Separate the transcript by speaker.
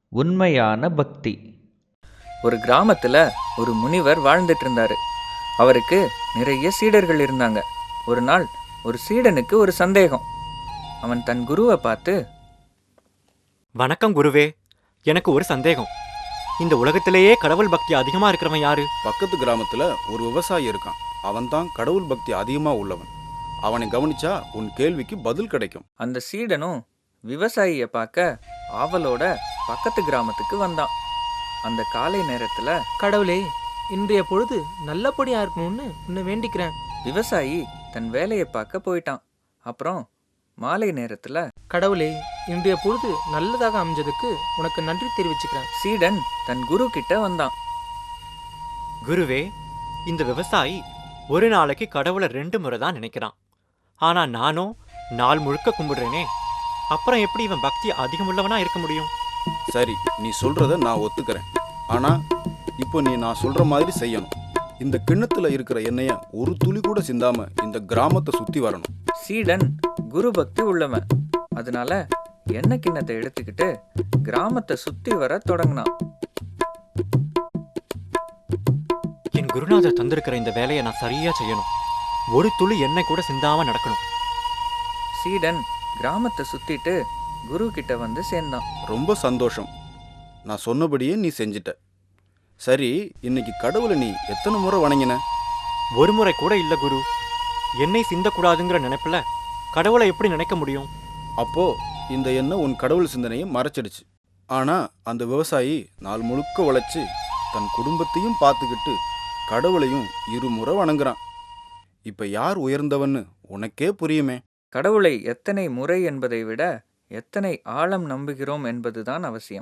Speaker 1: உண்மையான பக்தி.
Speaker 2: ஒரு கிராமத்துல ஒரு முனிவர் வாழ்ந்துட்டு இருந்தாரு. அவருக்கு நிறைய சீடர்கள் இருந்தாங்க. ஒரு நாள் ஒரு சீடனுக்கு ஒரு சந்தேகம். அவன் தன் குருவை பார்த்து,
Speaker 3: வணக்கம் குருவே. எனக்கு ஒரு சந்தேகம். இந்த உலகத்திலேயே கடவுள் பக்தி அதிகமா இருக்கிறவன் யாரு?
Speaker 4: பக்கத்து கிராமத்துல ஒரு விவசாயி இருக்கான். அவன்தான் கடவுள் பக்தி அதிகமா உள்ளவன். அவனை கவனிச்சா உன் கேள்விக்கு பதில் கிடைக்கும்.
Speaker 2: அந்த சீடனும் விவசாயியை பார்க்க ஆவலோட பக்கத்து கிராமத்துக்கு வந்தான். அந்த காலை நேரத்துல
Speaker 5: கடவுளே, இன்றைய பொழுது நல்லபடியா இருக்கணும்னு உன்னை வேண்டிக்கிறேன்.
Speaker 2: விவசாயி தன் வேலையை பார்க்க போயிட்டான். அப்புறம் மாலை நேரத்துல
Speaker 5: கடவுளே, இன்றைய பொழுது நல்லதாக அமைஞ்சதுக்கு உனக்கு நன்றி தெரிவிச்சுக்கிறேன்.
Speaker 2: சீடன் தன் குரு கிட்ட வந்தான்.
Speaker 3: குருவே, இந்த விவசாயி ஒரு நாளைக்கு கடவுளை 2 முறை தான் நினைக்கிறான். ஆனா நானும் நாள் முழுக்க கும்பிடுறேனே. அப்புறம் எப்படி இவன் பக்தி அதிகமுள்ளவனா இருக்க முடியும்?
Speaker 4: சரி, நீ சொல்றத நான் ஒத்துக்கிறேன். ஆனா இப்போ நீ நான் சொல்ற மாதிரி செய்யணும். இந்த கிண்ணத்துல இருக்கிற எண்ணெய ஒரு துளி கூட சிந்தாம இந்த கிராமத்தை சுத்தி வரணும்.
Speaker 2: சீடன் குரு பக்தி உள்ளவன். அதனால எண்ணெய் கிண்ணத்தை எடுத்துக்கிட்டு கிராமத்தை சுத்தி வர தொடங்கினான்.
Speaker 3: என் குருநாதர் தந்திருக்கிற இந்த வேலையை நான் சரியா செய்யணும். ஒரு துளி எண்ணெய் கூட சிந்தாம நடக்கணும்.
Speaker 2: சீடன் கிராமத்தை சுத்திட்டு குரு கிட்ட வந்து சேர்ந்தான்.
Speaker 4: ரொம்ப சந்தோஷம். நான் சொன்னபடியே நீ செஞ்சிட்ட. சரி, இன்னைக்கு கடவுளை நீ எத்தனை முறை வணங்கின?
Speaker 3: ஒரு முறை கூட இல்ல குரு. எண்ணெய் சிந்தக்கூடாதுங்கிற நினைப்புல கடவுளை எப்படி நினைக்க முடியும்?
Speaker 4: அப்போ இந்த எண்ணெய் உன் கடவுள் சிந்தனையை மறைச்சிடுச்சு. ஆனா அந்த விவசாயி நாள் முழுக்க உழைச்சு தன் குடும்பத்தையும் பார்த்துக்கிட்டு கடவுளையும் 2 முறை வணங்குறான். இப்ப யார் உயர்ந்தவன்னு உனக்கே புரியுமே.
Speaker 2: கடவுளை எத்தனை முறை என்பதை விட எத்தனை ஆழம் நம்புகிறோம் என்பதுதான் அவசியம்.